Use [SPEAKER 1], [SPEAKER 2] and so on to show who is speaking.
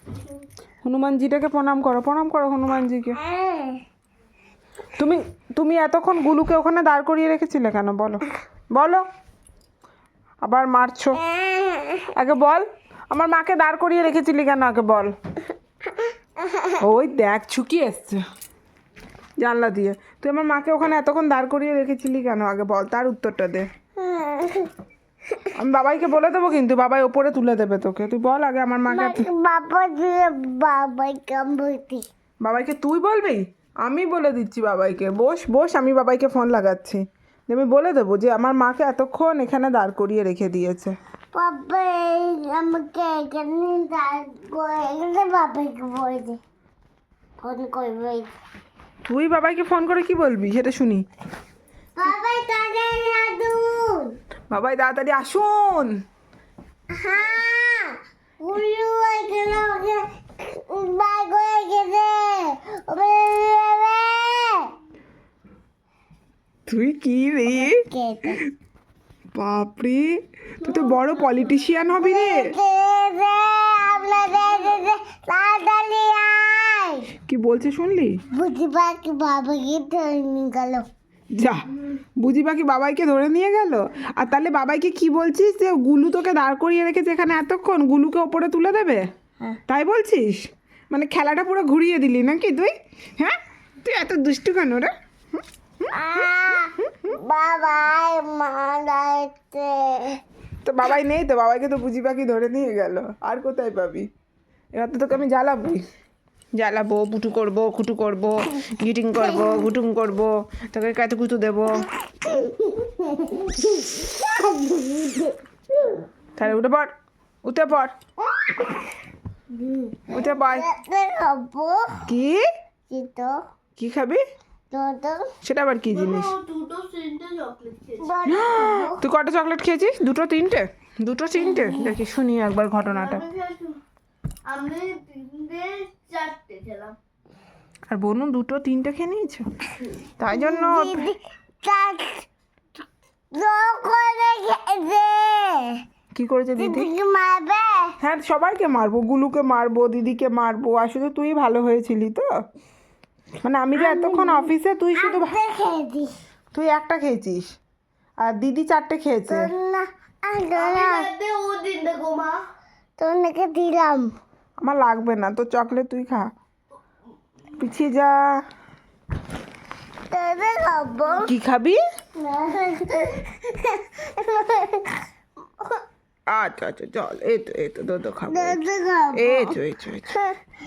[SPEAKER 1] হনুমানজিটাকে প্রণাম করো হনুমানজিকে। তুমি তুমি এতক্ষণ গুলুকে ওখানে দাঁড় করিয়ে রেখেছিলে কেন বলো বলো, আবার মারছো। আগে বল, আমার মাকে দাঁড় করিয়ে রেখেছিলি কেন আগে বল। ওই দেখ ছুকি এসছে জানলা দিয়ে, তুই আমার মাকে ওখানে এতক্ষণ দাঁড় করিয়ে রেখেছিলি কেন আগে বল, তার উত্তরটা দে। আমি বাবাইকে বলে দেবো কিন্তু, বাবাই ওপরে তুলে দেবে তোকে, তুই বল আগে আমার মাকে। বাবাইকে তুই বলবি? আমি বলে দিচ্ছি বাবাইকে, বস বস, আমি বাবাইকে ফোন লাগাচ্ছি, আমি বলে দেবো যে আমার মাকে এতক্ষণ এখানে দাঁড় করিয়ে রেখে দিয়েছে।
[SPEAKER 2] আমাকে এখানে দাঁড় করে বাবাইকে বলে দে, ফোন করবে।
[SPEAKER 1] তুই বাবাইকে ফোন করে কি বলবি সেটা শুনি।
[SPEAKER 2] বাবাই তাড়াতাড়ি আসুন,
[SPEAKER 1] বাবাই তাড়াতাড়ি আসুন।
[SPEAKER 2] হ্যাঁ উল্লু এখানে ওকে বাই করে গেছে।
[SPEAKER 1] তুই কি রে বাপরে, তুই তো বড় পলিটিশিয়ান হবি রে। কি বলছে শুনলি?
[SPEAKER 2] বুঝি পাখি বাবাকে ধরে নিয়ে গেল।
[SPEAKER 1] যা, বুঝি পাখি বাবাইকে ধরে নিয়ে গেল। আর তাহলে বাবাইকে কি বলছিস যে গুলু তোকে দাঁড় করিয়ে রেখেছে এখানে এতক্ষণ, গুলুকে ওপরে তুলে দেবে তাই বলছিস? মানে খেলাটা পুরো ঘুরিয়ে দিলি নাকি তুই? হ্যাঁ, তুই এত দুষ্টু কেন রে?
[SPEAKER 2] বাবাই মারাইছে।
[SPEAKER 1] তো বাবাই নেই তো, বাবাইকে তো বুঝি পাখি ধরে নিয়ে গেল, আর কোথায় পাবি? এবার তো তোকে আমি জ্বালাবো, পুটু করবো, খুটু করবো, গিটিং করবো, ঘুটুং করবো, তোকে কাতে কুতু দেবো। তাহলে উঠে পড়, উঠে পড়, উঠে পড়।
[SPEAKER 2] খাবো
[SPEAKER 1] কি
[SPEAKER 2] তো,
[SPEAKER 1] কি খাবি? সেটা আবার কি জিনিস? তুই কটা চকলেট খেয়েছিস? দুটো তিনটে? দেখি শুনি একবার ঘটনাটা।
[SPEAKER 3] আমি 3-4 খেলাম।
[SPEAKER 1] আর বোনু 2-3 খেয়ে নিয়েছো, তাই জন্য কি করেছে দিদি?
[SPEAKER 2] মারবে।
[SPEAKER 1] হ্যাঁ সবাইকে মারবো, গুলুকে মারবো, দিদিকে মারবো, আর শুধু তুই ভালো হয়েছিলি তো। মানে আমি যে এতক্ষণ অফিসে, তুই শুধু তুই একটা খেয়েছিস আর দিদি 4টে খেয়েছে।
[SPEAKER 2] তোকে দিলাম।
[SPEAKER 1] আমার লাগবে না তো চকলেট, তুই খা, পিছিয়ে যা।
[SPEAKER 2] খাবো
[SPEAKER 1] কি খাবি? আচ্ছা চল, এই তো দুধ খাবো, এই তো